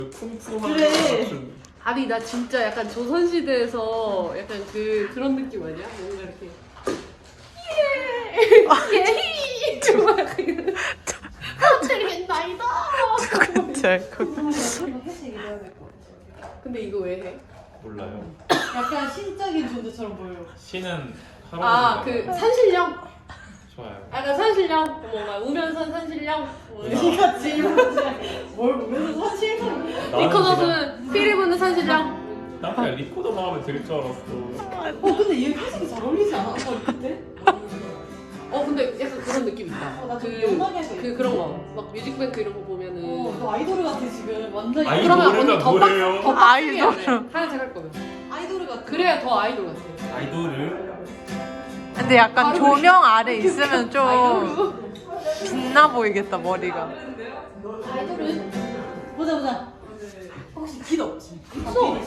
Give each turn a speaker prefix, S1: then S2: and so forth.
S1: 쿵푸한
S2: 그래.
S1: 같은.
S3: 아니 나 진짜 약간 조선시대에서 약간 그런 느낌 아니야? 뭔가 이렇게 때리겠나이다. 근데 이거 왜 해?
S1: 몰라요.
S2: 약간 신적인 존재처럼 보여요.
S1: 신은 하루.
S3: 아그 산신령?
S1: 좋아요.
S3: 약간 산신령? 뭔가 우면산 산신령?
S2: 같이 뭘 보면서 사실
S3: 리코더는 피리 부는 산신령?
S1: 난 그냥 리코더만 하면 될 줄 알았어.
S2: 근데 얘 회색이 잘 어울리지 않아? 그때?
S3: 근데 약간 그런 느낌 있다.
S2: 나좀 연하게서
S3: 그런 거. 막 뮤직뱅크 이런 거 보면은.
S2: 너 아이돌 같아 지금 완전
S1: 아이돌.
S3: 그러면 언니 더
S1: 뭐예요?
S3: 빡세게 해야 돼. 하얀색 할 거면.
S2: 아이돌 같아.
S3: 그래야 더 아이돌 같아.
S1: 아이돌을
S4: 근데 약간 조명 아래 있으면 좀
S3: 아이돌.
S4: 빛나 보이겠다 머리가.
S2: 아이돌은 보자. 혹시 깃 없지? 없어.